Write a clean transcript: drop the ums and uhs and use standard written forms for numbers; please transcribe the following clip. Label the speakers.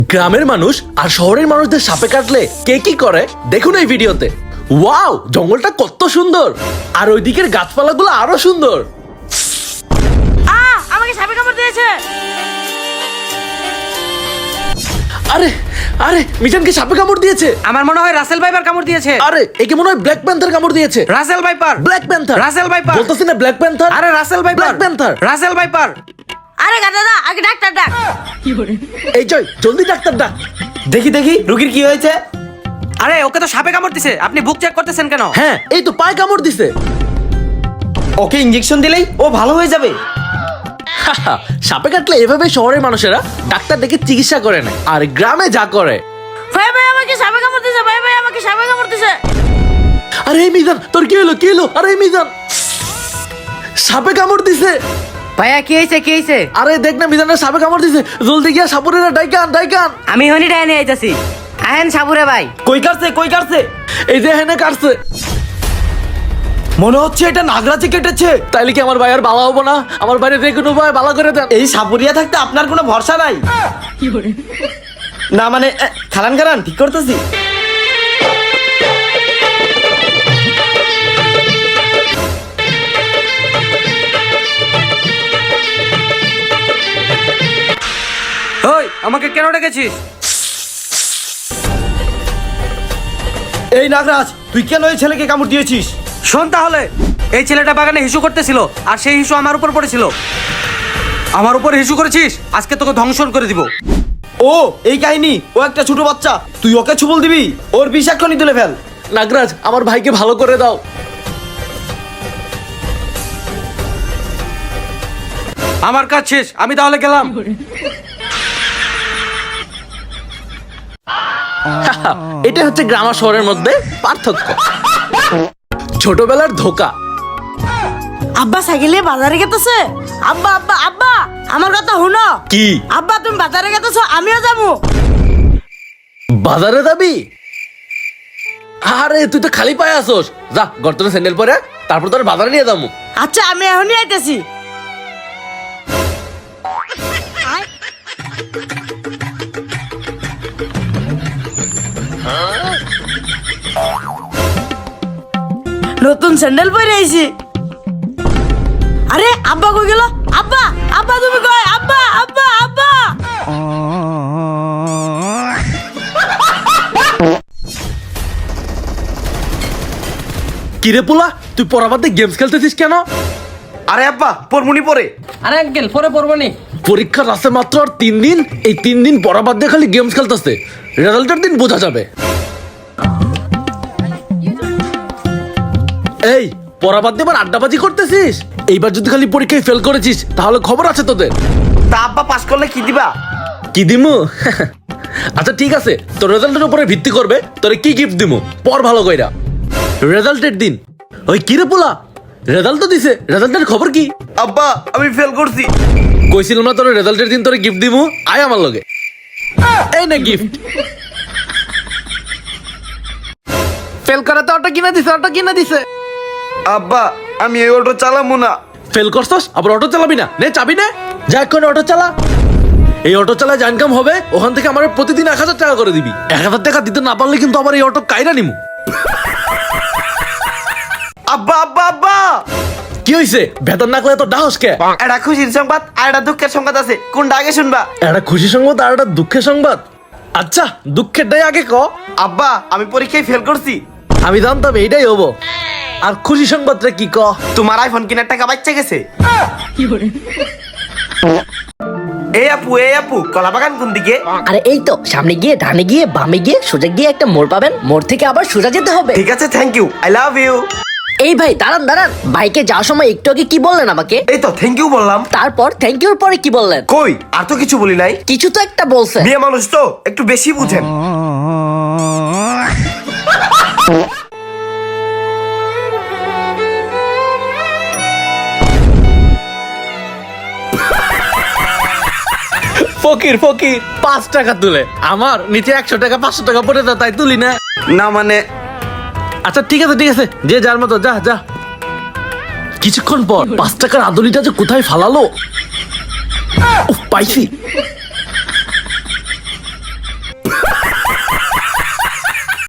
Speaker 1: গ্রামের মানুষ আর শহরের মানুষদের সাপে কাটলে কে কি করে দেখুন এই ভিডিওতে। ওয়াও, জঙ্গলটা কত সুন্দর, আর ওই দিকের গাছপালাগুলো আরো সুন্দর।
Speaker 2: আমাকে সাপে কামড় দিয়েছে।
Speaker 1: আরে আরে, মিজানকে সাপে কামড় দিয়েছে।
Speaker 3: আমার মনে হয় রাসেল ভাইপার কামড় দিয়েছে।
Speaker 1: আরে, একে মনে হয় ব্ল্যাক প্যান্থার কামড় দিয়েছে।
Speaker 3: Russell viper,
Speaker 1: black panther,
Speaker 3: Russell viper
Speaker 1: বলতেছি না ব্ল্যাক প্যান্থার।
Speaker 3: আরে Russell viper,
Speaker 1: black panther,
Speaker 3: Russell viper.
Speaker 2: আরে গাদাদা, আগে ডাক্তার ডাক।
Speaker 1: এই জয়, জলদি ডাক্তার ডাক।
Speaker 4: দেখি দেখি রুগীর কি হয়েছে।
Speaker 3: আরে ওকে তো সাপে কামড় দিছে, আপনি বুক চেক করতেছেন কেন?
Speaker 1: হ্যাঁ, এই তো পায়ে কামড় দিছে।
Speaker 4: ওকে ইনজেকশন দিলেই ও ভালো হয়ে যাবে।
Speaker 1: সাপে কাটলে এভাবে শহরের মানুষেরা ডাক্তার ডেকে চিকিৎসা করে না, আর গ্রামে যা করে।
Speaker 2: ভাই ভাই আমাকে সাপে কামড় দিয়েছে, ভাই ভাই আমাকে সাপে কামড় দিয়েছে।
Speaker 1: আরে এই মিজান, তোর কি হলো কি হলো? আরে এই মিজান, সাপে কামড় দিছে।
Speaker 3: ভাইয়া কি হয়েছে কি হয়েছে?
Speaker 1: আরে দেখ না, মিজানের সাপে কামড় দিছে। জলদি গিয়া সাপুরেরা ডাইকান ডাইকান।
Speaker 3: আমি হনি ডাইনে আইতাছি। আহেন সাবুরে ভাই।
Speaker 4: কই কাটছে কই কাটছে?
Speaker 1: এই যে হেনে কাটছে।
Speaker 4: মনে হচ্ছে এটা নাগরাজে কেটেছে।
Speaker 1: তাইলে কি আমার ভাই আর বালা হবো না? আমার বাইরে যে কোনো ভাই বালা করে দেন।
Speaker 4: এই সাপুরিয়া থাকতে আপনার কোনো ভরসা নাই। না মানে খালান খালান ঠিক করতেছি।
Speaker 3: ওই আমাকে কেন ডেকেছিস?
Speaker 4: এই নাগরাজ, তুই কেন এই ছেলেকে কামড় দিয়েছিস?
Speaker 3: শোন তাহলে, এই ছেলেটা বাগানে হিসু করতেছিল আর সেই হিসু আমার উপর পড়েছিল। আমার উপর হিসু করেছিস, আজকে তোকে ধ্বংসন করে দিব।
Speaker 4: ও এই কাহিনী, ও একটা ছোট বাচ্চা, তুই ওকে ছুবল দিবি? ওর বিষ এক্ষুনি তুলে ফেল।
Speaker 1: নাগরাজ, আমার ভাইকে ভালো করে দাও।
Speaker 3: আমার কাজ শেষ, আমি তাহলে গেলাম।
Speaker 1: এটা হচ্ছে গ্রাম আর শহরের মধ্যে পার্থক্য। ছোটবেলার ধোকা।
Speaker 2: আব্বা সাইকেলে বাজারে গেতেছে। আব্বা আব্বা আব্বা, আমার কথা শুনো।
Speaker 1: কি?
Speaker 2: আব্বা তুমি বাজারে গেতেছো, আমিও যাবো।
Speaker 1: বাজারে যাবি? আরে তুই তো খালি পায়ে আসোস। যা গর্তনে স্যান্ডেল পরে, তারপর তোর বাজারে নিয়ে যাবো।
Speaker 2: আচ্ছা, আমি এখনই আইতেছি। নতুন স্যান্ডেল পরে আইছি। আরে আব্বা কই গেল? আব্বা আব্বা তুমি কই? আব্বা আব্বা আব্বা।
Speaker 1: কিরে পোলা, তুই পড়াবাদে গেমস খেলতেছিস কেন?
Speaker 4: আরে আব্বা পরমুনি পরে।
Speaker 3: আরে আঙ্কেল পরে পড়বো নি।
Speaker 1: পরীক্ষার আছে মাত্র আর 3 দিন। এই 3 দিন পড়াবাদ দিয়ে খালি গেমস খেলতেছে। রেজাল্টের দিন বোঝা যাবে। এই পড়াবাদ দিয়ে এবার আড্ডাবাজি করতেছিস? এইবার যদি খালি পরীক্ষায় ফেল করেছিস তাহলে খবর আছে তোদের।
Speaker 4: তা আব্বা পাস করলে কি দিবা?
Speaker 1: কি দিমু? আচ্ছা ঠিক আছে, তোর রেজাল্টের উপরে ভিত্তি করবে তোরে কি গিফট দিমু। পড় ভালো কইরা। রেজাল্টের দিন। ওই কিরে পোলা, রেজাল্ট তো দিছে, রেজাল্টের খবর কি?
Speaker 4: আব্বা আমি ফেল করছি।
Speaker 1: কইছিলাম না তোর রেজাল্টের দিন তোরে গিফট দিমু। আয় আমার লগে। এই না গিফট। ফেল করা তো অটো কিনা দিছে, অটো কিনা দিছে।
Speaker 4: আব্বা আমি এই অটো চালাবো না।
Speaker 1: ফেল করছস আবার অটো চালাবি না? নে চাবি নে, যা এখন অটো চালা। এই অটো চালায় যা ইনকাম হবে ওখান থেকে আমার প্রতিদিন 1000 টাকা করে দিবি। 1000 টাকা দিতে না পারলে কিন্তু আবার এই অটো কাইরা নিমু।
Speaker 4: আব্বা আব্বা আব্বা,
Speaker 1: কি হইছে? বেতন না করে তো ডাহস কে?
Speaker 4: এটা খুশির সংবাদ আর এটা দুঃখের সংবাদ আছে, কোনটা আগে শুনবা?
Speaker 1: একটা খুশি সংবাদ আর একটা দুঃখের সংবাদ। আচ্ছা দুঃখেরটাই আগে ক।
Speaker 4: আব্বা আমি পরীক্ষায় ফেল করছি।
Speaker 1: আমি জানতাম এইটাই হবো। আর খুশি সংবাদটা কি ক?
Speaker 4: তোমার আইফোন কেনার টাকা বাচ্চা গেছে। এই আপু কলা বাগান কোন দিকে?
Speaker 5: আরে এই তো সামনে গিয়ে, ডানে গিয়ে, বামে গিয়ে, সোজা গিয়ে একটা মোড় পাবেন। মোড় থেকে আবার সোজা যেতে হবে।
Speaker 4: ঠিক আছে, thank you, I love you.
Speaker 5: এই ভাই দাঁড়ান দাঁড়ান, বাইকে যাওয়ার সময় একটু আগে কি বললেন আমাকে?
Speaker 4: এই তো থ্যাংক ইউ বললাম।
Speaker 5: তারপর থ্যাংক ইউর পরে কি বললেন?
Speaker 4: কই আর তো কিছু বলি নাই।
Speaker 5: কিছু তো একটা বলছেন।
Speaker 4: বিয়ে মানুষ তো একটু বেশি বুঝেন।
Speaker 1: ফকির ফকির 5 টাকা তুলে আমার নিচে 100 টাকা 500 টাকা পড়ে যা, তাই তুলি না।
Speaker 4: না মানে
Speaker 1: আচ্ছা ঠিক আছে যে যার মতো যা যা। কিছুক্ষণ পর 5 টাকার আদলিটা যে কোথায় ফালালো। উফ, পাইছি।